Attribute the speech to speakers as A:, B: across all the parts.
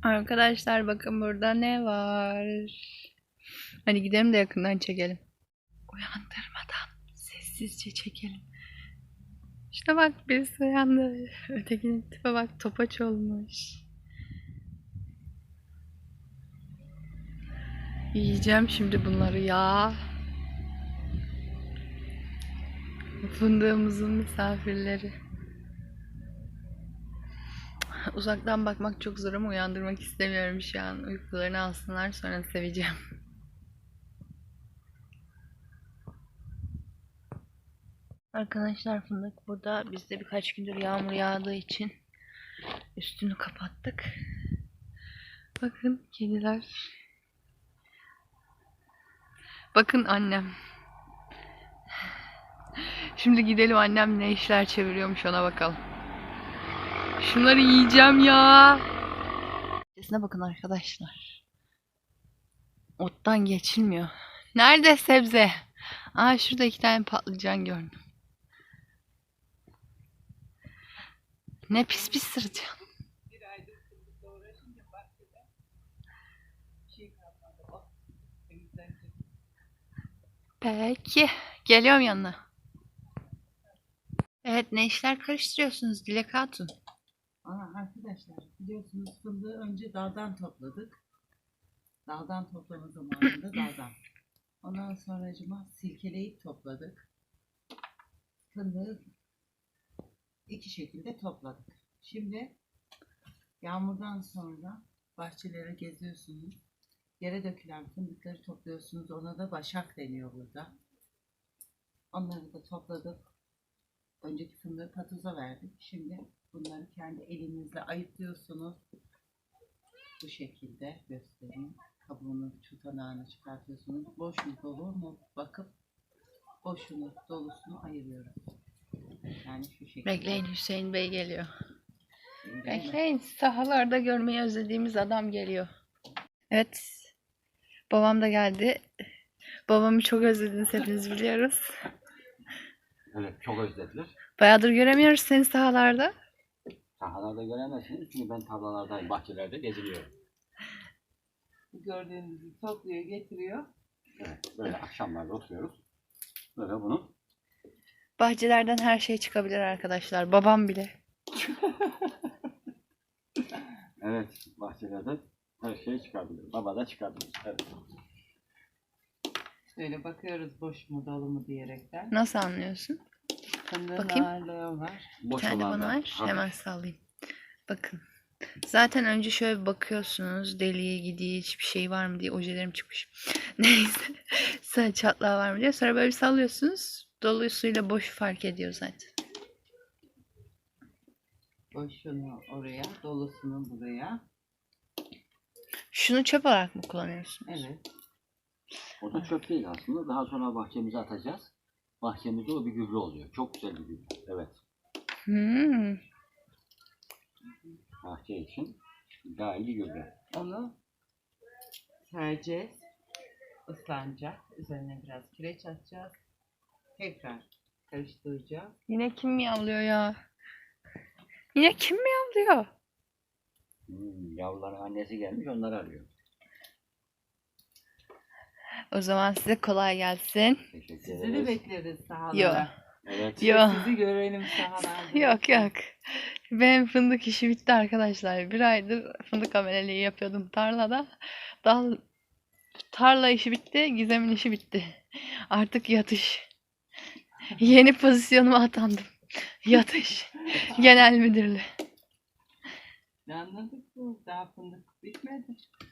A: Arkadaşlar bakın burada ne var. Hadi gidelim de yakından çekelim. Uyandırmadan sessizce çekelim. İşte bak birisi uyandı. Ötekinin tipe bak, topaç olmuş. Yiyeceğim şimdi bunları ya. Fındığımızın misafirleri. Uzaktan bakmak çok zor ama uyandırmak istemiyorum şu an. Uykularını alsınlar, sonra seveceğim. Arkadaşlar fındık burada. Biz de birkaç gündür yağmur yağdığı için üstünü kapattık. Bakın kediler. Bakın annem. Şimdi gidelim, annem ne işler çeviriyormuş ona bakalım. Şunları yiyeceğim ya. Sesine bakın arkadaşlar. Ottan geçilmiyor. Nerede sebze? Aa, şurada 2 tane patlıcan gördüm. Ne pis pis sıracağım. Peki. Geliyorum yanına. Evet, ne işler karıştırıyorsunuz Dilek Hatun?
B: Arkadaşlar biliyorsunuz fındığı önce daldan topladık. Daldan toplama zamanında daldan. Ondan sonracıma silkeleyip topladık. Fındığı iki şekilde topladık. Şimdi yağmurdan sonra bahçelere geziyorsunuz. Yere dökülen fındıkları topluyorsunuz. Ona da başak deniyor burada. Onları da topladık. Önceki fındığı patuza verdik. Şimdi bunları kendi elinizle ayıklıyorsunuz. Bu şekilde göstereyim. Kabuğunu, tutanağını çıkartıyorsunuz. Boş mu dolu mu bakıp boşunu, dolusunu ayırıyoruz. Yani şu şekilde.
A: Bekleyin, Hüseyin Bey geliyor. Bekleyin, sahalarda görmeyi özlediğimiz adam geliyor. Evet, babam da geldi. Babamı çok özlediniz hepiniz biliyoruz.
C: Evet, çok özlediler.
A: Bayağıdır göremiyoruz seni sahalarda.
C: Sahalarda göremezsiniz çünkü ben tarlalardayım, bahçelerde geziniyorum.
B: Gördüğünüzü topluyor, getiriyor.
C: Evet, böyle akşamlarda oturuyoruz. Böyle bunu.
A: Bahçelerden her şey çıkabilir arkadaşlar. Babam bile.
C: Evet, bahçelerde her şey çıkabilir. Baba da çıkabilir. Evet.
B: Şöyle bakıyoruz boş mu dolu mu diyerekten.
A: Nasıl anlıyorsun?
B: Fındığın
A: Bakayım.
B: ağırlığı var.
A: Bir
C: Boş
A: tane
C: olan
A: bana
C: da
A: ver.
C: hafif.
A: Hemen sallayayım. Bakın. Zaten önce şöyle bir bakıyorsunuz. Deliğe gidiği hiçbir şey var mı diye, ojelerim çıkmış. Neyse. Sonra çatlağı var mı diye. Sonra böyle bir sallıyorsunuz. Dolusuyla boş fark ediyor zaten.
B: Boşunu oraya, dolusunu buraya.
A: Şunu çöp olarak mı kullanıyorsunuz?
B: Evet.
C: O da çöp değil aslında. Daha sonra bahçemize atacağız. Bahçemizde o bir gübre oluyor. Çok güzel bir gübre. Evet.
A: Hmm.
C: Bahçe için daha iyi bir gübre.
B: Onu sereceğiz. Islanacak. Üzerine biraz kireç atacağız. Tekrar karıştıracağız.
A: Yine kim miyavlıyor ya? Yine kim miyavlıyor?
C: Yavruların annesi gelmiş, onları arıyor.
A: O zaman size kolay gelsin.
C: Teşekkür
B: Sizi de
C: ederiz.
B: bekleriz sahalara.
A: Yok.
C: Evet.
A: Yok.
B: Sizi görelim sahalarda.
A: Yok yok. Benim fındık işi bitti arkadaşlar. 1 aydır fındık ameleliği yapıyordum tarlada. Tarla işi bitti, Gizem'in işi bitti. Artık yatış. Yeni pozisyonuma atandım. Yatış. Genel müdürlüğü.
B: Ne anladık bu? Daha fındık bitmedi.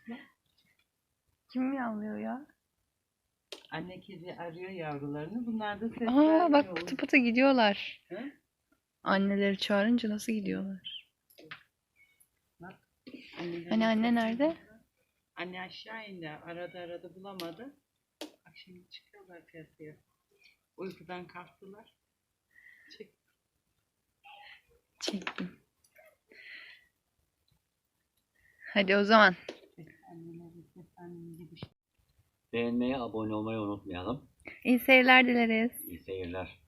A: Kim miyavlıyor ya?
B: Anne kedi arıyor yavrularını. Bunlar da ses
A: Aa
B: vermiyor.
A: bak, pıtı pıtı gidiyorlar.
B: Hı?
A: Anneleri çağırınca nasıl gidiyorlar?
B: Annelerin
A: Hani anne
B: sesi-
A: nerede?
B: Anne aşağı indi. Aradı bulamadı. Bak şimdi çıkıyorlar piyasaya. Uykudan kalktılar. Çık.
A: Çektim. Hadi o zaman.
B: Annelerin seslendiği gibi.
C: Beğenmeyi, abone olmayı unutmayalım.
A: İyi seyirler dileriz.
C: İyi seyirler.